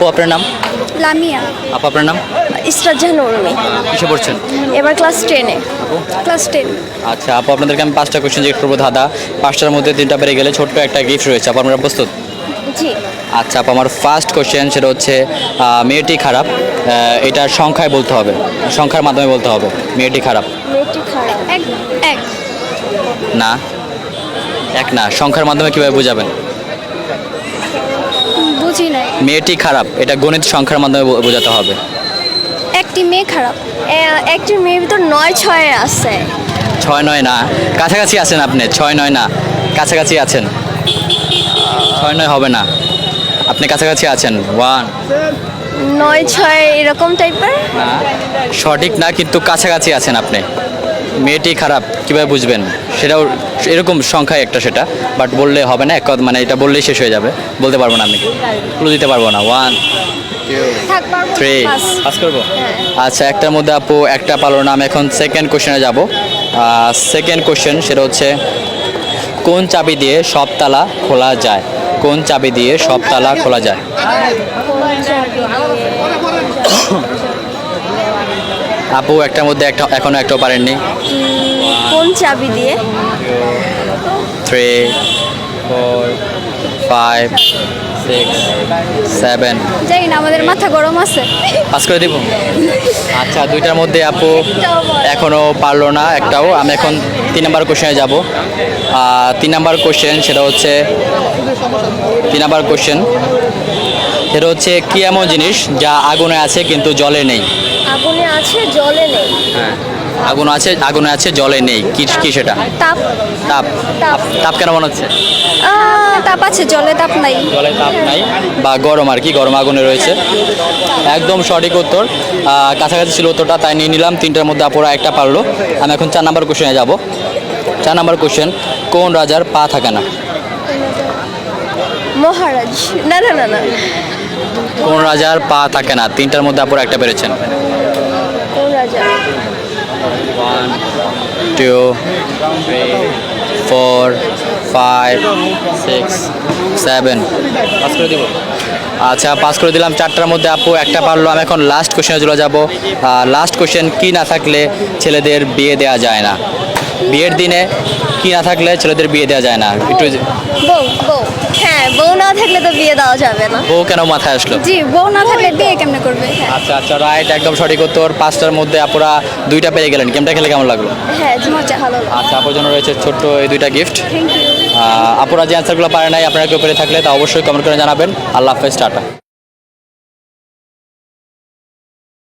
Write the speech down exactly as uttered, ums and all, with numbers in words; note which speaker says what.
Speaker 1: আপু আপনার নাম?
Speaker 2: লামিয়া।
Speaker 1: আপু আপনার নাম?
Speaker 2: ইসরাত জাহান উর্মি।
Speaker 1: কিসে পড়ছেন?
Speaker 2: এবার ক্লাস টেনে। Class ten.
Speaker 1: আচ্ছা আপু, আপনাদেরকে আমি পাঁচটা কোশ্চেন জিজ্ঞেস করবো ধাঁধা। পাঁচটার মধ্যে তিনটা পেরে গেলে ছোট্ট একটা গিফট রয়েছে। আপু আপনারা প্রস্তুত?
Speaker 2: জি।
Speaker 1: আচ্ছা আপু, আমার ফার্স্ট কোশ্চেন সেটা হচ্ছে আহ, মেয়েটি খারাপ, আহ, এটা সংখ্যায় বলতে হবে, সংখ্যার মাধ্যমে বলতে হবে। মেয়েটি খারাপ।
Speaker 2: মেয়েটি খারাপ। এক এক
Speaker 1: না, এক না, সংখ্যার মাধ্যমে কীভাবে বোঝাবেন?
Speaker 2: বুঝি নাই।
Speaker 1: মেয়েটি খারাপ, এটা গণিত সংখ্যার মাধ্যমে বো- বোঝাতে হবে।
Speaker 2: একটি মেয়ে খারাপ। এ- একটি মেয়ের ভিতর নয় ছয় আছে।
Speaker 1: ছয় নয় না, কাছাকাছি আছেন আপনি। ছয় নয় না, কাছাকাছি আছেন। ছয় নয় হবে না, আপনি কাছাকাছি আছেন। ওয়ান।
Speaker 2: নয় ছয় এরকম টাইপের।
Speaker 1: না, সঠিক না, কিন্তু কাছাকাছি আছেন আপনি। মেয়েটি খারাপ কীভাবে বুঝবেন? সেটাও এরকম সংখ্যায় একটা, সেটা বাট বললে হবে না। এক কথা মানে এটা বললেই শেষ হয়ে যাবে, বলতে পারবো না আমি, ক্লু দিতে পারবো না। ওয়ান,
Speaker 2: থাক পারবো না,
Speaker 1: থ্রি।
Speaker 2: পাস।
Speaker 1: পাস করবো?
Speaker 2: হ্যাঁ।
Speaker 1: আচ্ছা, একটার মধ্যে আপু একটা পারলো না। আমি এখন সেকেন্ড কোশ্চেনে যাব। সেকেন্ড কোশ্চেন সেটা হচ্ছে, কোন চাবি দিয়ে সব তালা খোলা যায়? কোন চাবি দিয়ে সব তালা খোলা যায়? আপু একটার মধ্যে একটা এখনো একটাও পারেননি।
Speaker 2: কোন চাবি দিয়ে?
Speaker 1: Three, four, five, six, seven.
Speaker 2: জানি না, আমাদের মাথা গরম আছে।
Speaker 1: পাস করে দিব? আচ্ছা, দুইটার মধ্যে আপু
Speaker 2: একটাও বল।
Speaker 1: এখনও পারলো না একটাও। আমি এখন তিন নাম্বার কোশ্চেনে যাব। তিন নাম্বার কোশ্চেন সেটা হচ্ছে, তিন নাম্বার কোশ্চেন সেটা হচ্ছে, কি এমন জিনিস যা আগুনে আছে কিন্তু জলে নেই?
Speaker 2: আগুনে আছে জলে নেই।
Speaker 1: হ্যাঁ, আগুন আছে, আগুনে আছে জলে নেই, কি কি সেটা?
Speaker 2: তাপ।
Speaker 1: তাপ।
Speaker 2: তাপ।
Speaker 1: তাপ কেন মনে হচ্ছে?
Speaker 2: আহ, তাপ আছে, জলে তাপ নাই।
Speaker 1: জলে তাপ নাই, বা গরম আর কি, গরম আগুনে রয়েছে। একদম সঠিক উত্তর। আহ, কাছাকাছি ছিল উত্তরটা, তাই নিয়ে নিলাম। তিনটার মধ্যে আপুরা একটা পারলো। আমি এখন চার নাম্বার কোশ্চেনে যাব। চার নাম্বার কোশ্চেন, কোন রাজার পা থাকে না?
Speaker 2: মহারাজ। না না না না।
Speaker 1: কোন রাজার পা থাকে না? তিনটার মধ্যে আপুরা একটা পেরেছেন।
Speaker 2: কোন রাজা?
Speaker 1: One, two, three, four, five, six, seven. Pass করে দিব? আচ্ছা, পাস করে দিলাম। চারটার মধ্যে আপু একটা পারলো। আমি এখন লাস্ট কোশ্চেনে চলে যাব। লাস্ট কোশ্চেন, কি না থাকলে ছেলেদের বিয়ে দেওয়া যায় না? বিয়ের দিনে কি না থাকলে ছেলেদের বিয়ে দেওয়া যায় না? একটু।
Speaker 2: বউ। বউ। হ্যাঁ, বউ না থাকলে তো বিয়ে দেওয়া যাবে না।
Speaker 1: বউ কেন মাথায় আসলো?
Speaker 2: জি, বউ না থাকলে বিয়ে কেমনে করবে? হ্যাঁ।
Speaker 1: আচ্ছা আচ্ছা, রাইট, একদম সঠিক উত্তর। পাঁচটার মধ্যে আপুরা দুইটা পেয়ে গেলেন। গেমটা খেলে কেমন লাগলো?
Speaker 2: হ্যাঁ, জি, মজা ভালো।
Speaker 1: আচ্ছা, আপুর জন্য রয়েছে ছোট্ট এই দুইটা গিফট।
Speaker 2: Thank you.
Speaker 1: আপুরা যে অ্যান্সারগুলো পারে নাই, আপনারা কেউ পেরে থাকলে তা অবশ্যই কমেন্ট করে জানাবেন। আল্লাহ হাফেজ, টাটা।